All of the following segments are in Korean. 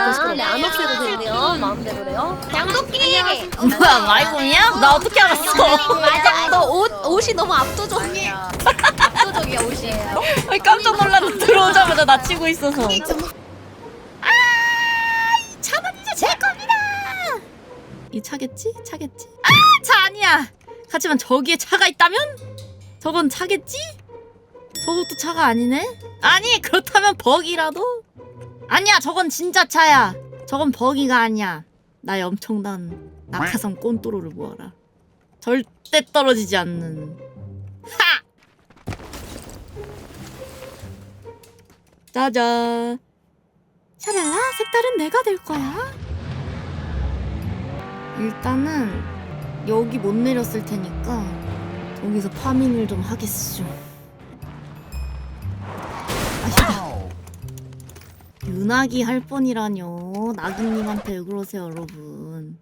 네, 안 없애도 되네요. 마음대로래요. 양도끼. 뭐야 마이공이야? 나 어떻게 알았어? 맞아. 너 옷이 너무 압도적이야. 압도적이야 옷이. 아니, 깜짝 놀랐네. 들어오자마자 나 치고 있어서. 차는 이제 제 겁니다. 이 차겠지? 차겠지? 아! 차 아니야! 하지만 저기에 차가 있다면? 저건 차겠지? 저것도 차가 아니네? 아니 그렇다면 버기라도? 아니야 저건 진짜 차야. 저건 버기가 아니야. 나의 엄청난 낙하산 꼰또로를 모아라. 절대 떨어지지 않는 하! 짜잔. 샤랄라 색깔은 내가 될 거야. 일단은 여기 못 내렸을 테니까 여기서 파밍을 좀 하겠슈. 아시다. 윤나기 할 뻔이라뇨. 나기님한테 왜 그러세요 여러분.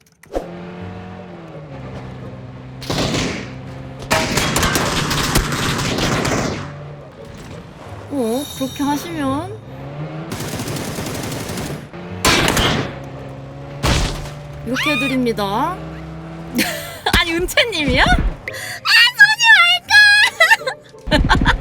그렇게 하시면 이렇게 해드립니다. 아니 은채님이야? 아 쏘지 말까.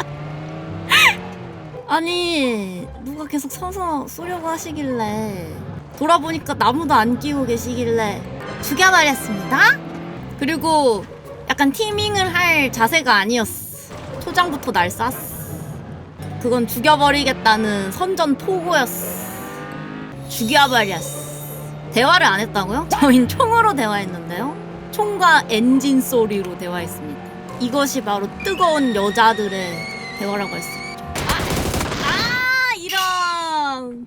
아니 누가 계속 서서 쏘려고 하시길래 돌아보니까 나무도 안 끼고 계시길래 죽여버렸습니다. 그리고 약간 티밍을 할 자세가 아니었어. 초장부터 날 쐈어. 그건 죽여버리겠다는 선전포고였어. 죽여버렸어. 대화를 안 했다고요? 저희는 총으로 대화했는데요. 총과 엔진 소리로 대화했습니다. 이것이 바로 뜨거운 여자들의 대화라고 할 수 있죠. 이런.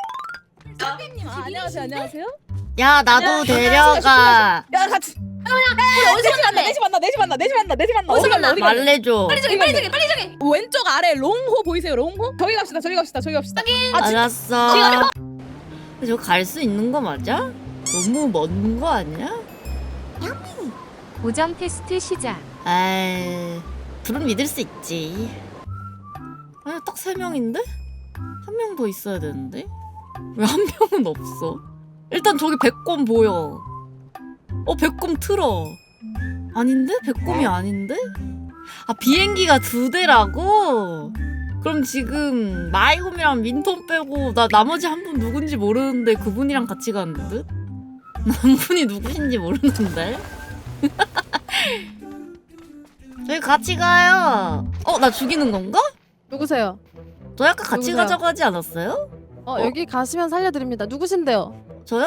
안녕하세요. 안녕하세요. 야 나도 데려가. 야 같이. 어디서 만나? 4시 만나. 4시 만나. 4시 만나. 4시 만나. 어디서 만나? 어디 갈래? 말해줘. 빨리 저기. 왼쪽 아래 롱호 보이세요? 롱호? 저기 갑시다. 저기 갑시다. 알았어. 근데 저 갈 수 있는 거 맞아? 너무 먼 거 아니야? 오정 테스트 시작. 에이, 불은 믿을 수 있지. 아니 딱 3명인데? 한 명 더 있어야 되는데? 왜 한 명은 없어? 일단 저기 백곰 보여. 백곰 틀어. 아닌데? 백곰이 아닌데? 아 비행기가 2대라고? 그럼 지금 마이홈이랑 민톤 빼고 나 나머지 한 분 누군지 모르는데 그분이랑 같이 가는 듯? 남분이 누구신지 모르는데? 저희 같이 가요. 나 죽이는 건가? 누구세요? 저 약간 같이 누구세요? 가자고 하지 않았어요? 여기 가시면 살려드립니다. 누구신데요? 저요?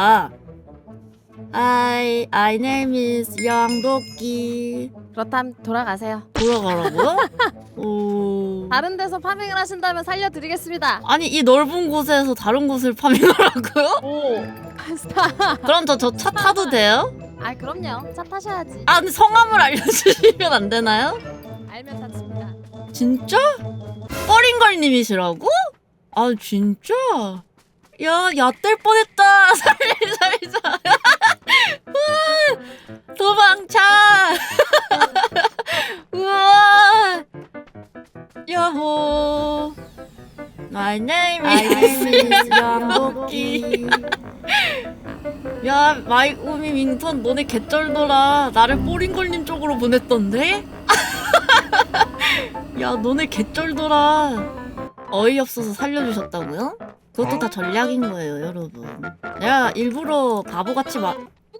My name is 양도끼. 그렇다면 돌아가세요. 돌아가라고요? 오. 다른 데서 파밍을 하신다면 살려드리겠습니다. 아니 이 넓은 곳에서 다른 곳을 파밍하라고요? 오. 그럼 저 차 타도 돼요? 아 그럼요. 차 타셔야지. 근데 성함을 알려주시면 안 되나요? 알면 타십니다. 진짜? 뻐링걸님이시라고? 아 진짜? 야 얕될 뻔했다. 살자. 우와, 도망쳐. 우와. 야호. My name is 양복기. 야 마이오미 윈턴 너네 개쩔더라. 나를 뽀링걸님 쪽으로 보냈던데? 야 너네 개쩔더라. 어이없어서 살려주셨다고요? 그것도 다 전략인 거예요 여러분. 내가 일부러 바보같이 뭐야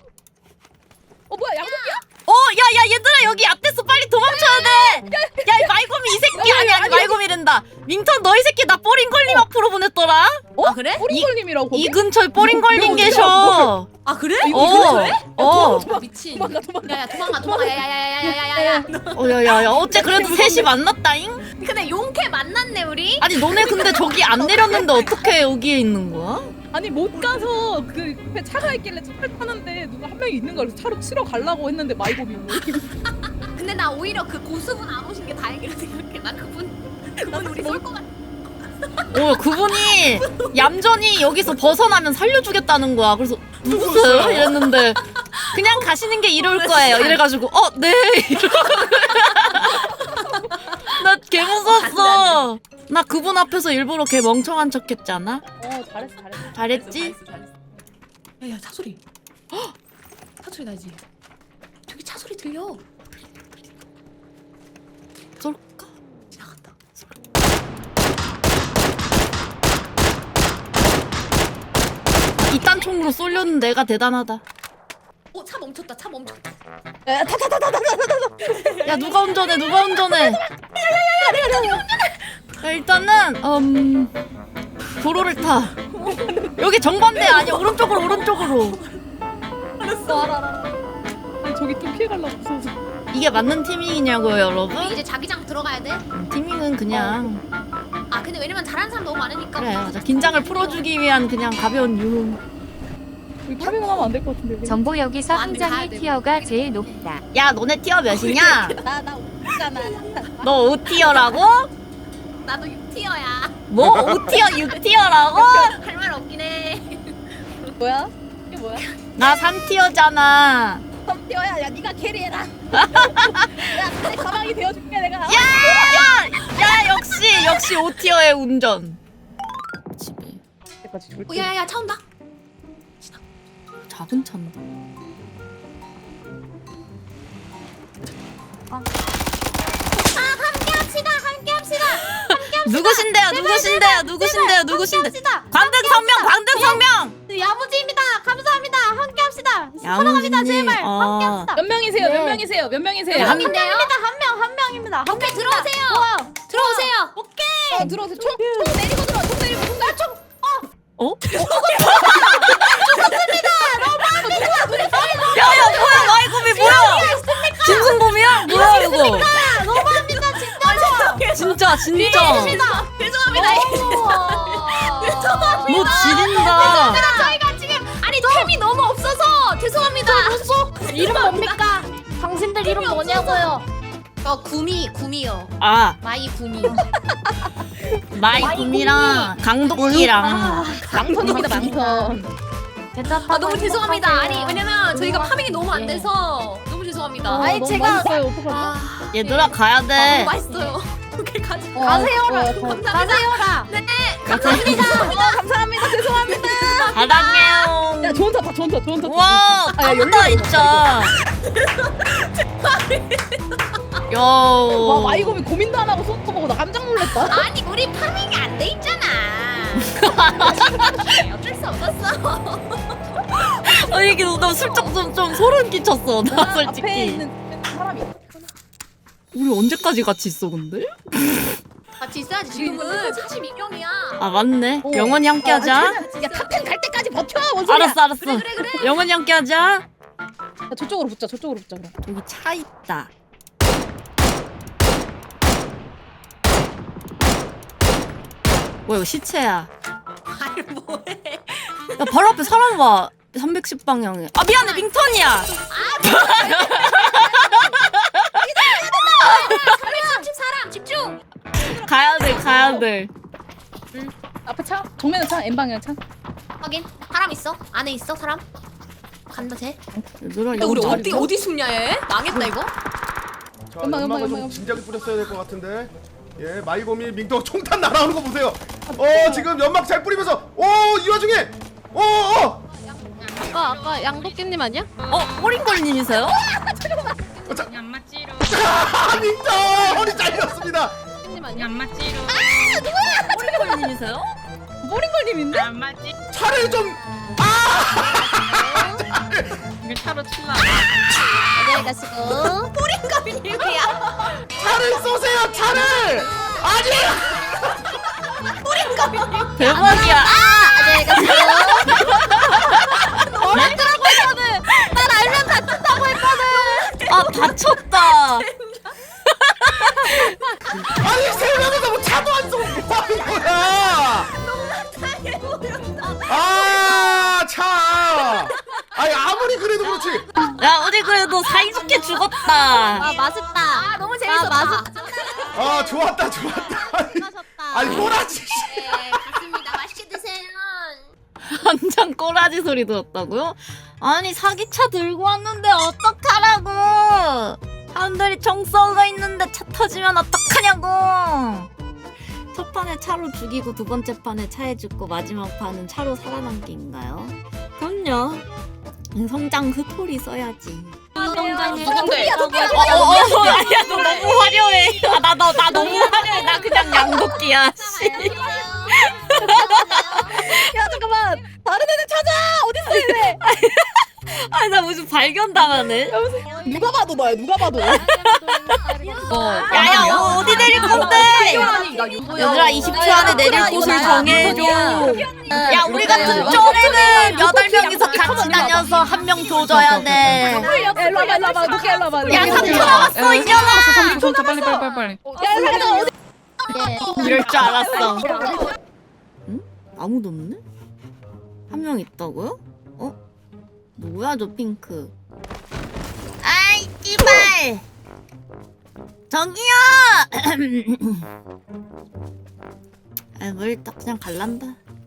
양도끼야? 야야 얘들아 여기 앞에서 빨리 도망쳐야 돼. 야 이 말곰이 이 새끼 아니 말곰이란다. 밍턴 너 이 새끼 나 뽀링걸님 앞으로 보냈더라. 아 그래? 뽀링걸님이라고 거기? 이 근처에 뽀링걸님 계셔. 아 그래? 미친. 야야 도망가. 야야야야야야야야. 야야야 어째 그래도 셋이 만났다잉? 근데 용케 만났네 우리. 아니 너네 근데 저기 안 내렸는데 어떻게 여기에 있는 거야? 아니 못 가서 그 옆에 차가 있길래 차를 타는데 누가 한 명이 있는 거야. 그래서 차로 치러 가려고 했는데 마이bom이 근데 나 오히려 그 고수분 안 오신 게 다행이라 생각해. 나 그분 우리 쏠 것 같아. 그분이 얌전히 여기서 벗어나면 살려주겠다는 거야. 그래서 누구세요? 이랬는데 그냥 가시는 게 이럴 거예요. 이래가지고 네. 이러고 나 개 무서웠어. 나 그분 앞에서 일부러 걔 멍청한 척했잖아. 잘했어 잘했어. 잘했지? 야야 차 소리. 헉! 차 소리 나지. 저기 차 소리 들려. 쏠까? 지나간다. 이딴 총으로 쏠려는 내가 대단하다. 차 멈췄다. 차 멈췄다. 야 누가 운전해? 누가 운전해? 야, 일단은 도로를 타. 여기 정반대 아니야? 오른쪽으로 오른쪽으로. 알아. 아니 저기 좀 피해가려고 무서워서. 이게 맞는 티밍이냐고요, 여러분? 우리 이제 자기장 들어가야 돼. 티밍은 그냥 아 근데 왜냐면 잘하는 사람 너무 많으니까. 그래 맞아. 긴장을 풀어주기 위한 그냥 가벼운 유흥. 우리 파밍을 하면 안 될 것 같은데. 우리. 정보 여기서 안 돼, 가야 함장의 돼. 티어가 제일 높다. 야 너네 티어 몇이냐? 나 웃잖아. 너 5티어라고? 나도 6티어야. 뭐? 5티어 6티어라고? 할 말 없긴 해. 뭐야? 이게 뭐야? 나 3티어잖아. 썸티어야. 야 네가 캐리해라. 야 내 가방이 되어줄게 내가. 야 역시 5티어의 운전. 집에 여기까지 절대. 야야야 차 온다. 작은 차인데. 함께합시다. 누구신데요? 광등성명. 야무지입니다. 감사합니다. 함께합시다. 야무지님. 제발. 몇 명이세요? 네. 몇 명이세요? 몇 명이세요? 야, 한 명입니다. 오케이 들어오세요. 들어오세요. 오케이. 들어오세요. 총 내리고 들어. 총 내리고 총. 어? 야야 뭐야 마이곰이 뭐야? 진승범이야? 뭐야 이거? 너무합니다 진짜. 진짜. 죄송합니다. 너 지린다. 저희가 지금 아니 템이 너무 없어서 죄송합니다. 이름 뭡니까? 당신들 이름 뭐냐고요? 구미요. 아 마이 구미요. 마이곰이랑 강도끼랑 망선입니다 망선. 아 너무 죄송합니다. 아니 왜냐면 저희가 파밍이 너무 안 돼서 너무 죄송합니다. 아니, 너무 제가- 맛있어요. 어떡하지? 아, 얘들아 가야 너무 돼. 맛있어요. 오케이 가자. 가세요라. 감사합니다. 가세요라. 감사합니다. 죄송합니다. 사랑해요. 야 좋은 타 좋은 타. 와 아, 야, 땀다 진짜. 야. 와 마이곰이 고민도 안 하고 손 터보고 나 깜짝 놀랐다. 아니 우리 파밍이 안 돼 있잖아. 어쩔 수 없었어. 이게 나 슬쩍 좀 소름 끼쳤어. 나 앞에 솔직히. 있는 사람이. 우리 언제까지 같이 있어 근데? 같이 있어야지. 지금은 42명이야. 아 맞네. 영원히 함께하자. 야 탑10 갈 때까지 버텨. 뭔 소리야? 알았어. 그래. 영원히 함께하자. 야, 저쪽으로 붙자. 그럼. 저기 차 있다. 뭐야 이거 시체야. 아니 뭐해? 야 바로 앞에 사람 와. 310 방향에. 아 미안해 밍턴이야. 330 사람 집중. 가야 돼. 앞에 차. 정면에 차. N 방향 차. 확인. 사람 있어? 안에 있어 사람? 간다 쟤. 얘들아 야, 이거 우리 잘했어? 어디 숨냐 얘? 망했다 이거. 자, 엄마, 연막을 엄마, 좀 엄마. 진작에 뿌렸어야 될 것 같은데. 예, 마이곰이 민도 총탄 날아오는 거 보세요. 지금 연막 잘 뿌리면서, 이 와중에, 아까 양도끼님 아니야? 꼬링걸님이세요? 자, 민도 허리 잘렸습니다. 님 아니야? 꼬링걸님이세요? 모링걸님인데? 차를 좀, 안녕히 가시고. 뿌링가빈님이야. 차를 쏘세요, 차를. 아니, 대박이야. 안녕히 가시고. 뭐라더라고 했거든. 난 알면 다친다고 했거든. 아 다쳤다. 아니 세 명이서 뭐 차도 안 쏘고 뭐 하는 거야? 차. 아니 아무리 그래도 그렇지. 야 우리 그래도 사이좋게 죽었다. 아 맛있다. 아 너무 재밌었다. 맛있다. 좋았다. 맛있다. 아니 꼬라지. 네, 맞습니다. 맛있게 드세요. 한장 꼬라지 소리 들었다고요? 아니 사기차 들고 왔는데 어떡하라고. 사람들이 총 쏘고 있는데 차 터지면 어떡하냐고. 첫 판에 차로 죽이고 두 번째 판에 차에 죽고 마지막 판은 차로 살아남기인가요? 그럼요. 성장 스토리 써야지. 성장의 누군데? 아니야 너 너무 화려해. 나 너무 화려해. 나 그냥 양도끼야. 씨. 야 잠깐만 다른 애들 찾아 어딨어 얘네 아니 나 무슨 발견당하네. 누가 봐도 너야 누가 봐도. 야야 어디 내릴 건데? 얘들아 20초 안에 내릴 곳을 정해줘. 야 우리 같은 쫄에는 8명이서 같이 다녀서 한 명 조져야 돼. 일로 와봐 늦게 일로 와봐. 야 3초 남았어 이년아. 3초 빨리. 야 어디? 이럴 줄 알았어. 응? 아무도 없네? 한 명 있다고요? 어? 뭐야 저 핑크? 아이 씨발! 저기요! 물 딱 그냥 갈란다.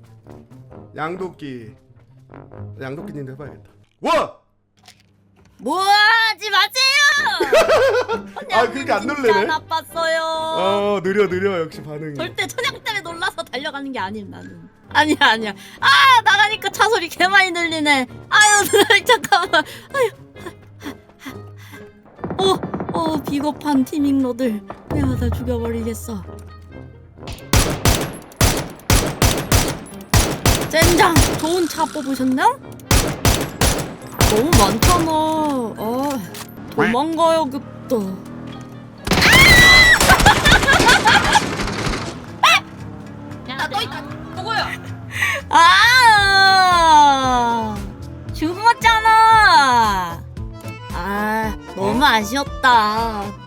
양도끼님도 해봐야겠다. 와! 뭐 하지 마세요! 아 그렇게 안 진짜 놀래네. 나빴어요. 느려 역시 반응이. 절대 천양 때문에 놀라서 달려가는 게 아님 나는. 아니야. 아 나가니까 차 소리 개 많이 들리네. 아유 잠깐만. 아유. 비겁한 티밍러들. 내가 다 죽여버리겠어. 젠장 좋은 차 뽑으셨나? 너무 많잖아. 도망가야겠다. 야너 있다. 누구야? 죽었잖아. 너무 아쉬웠다.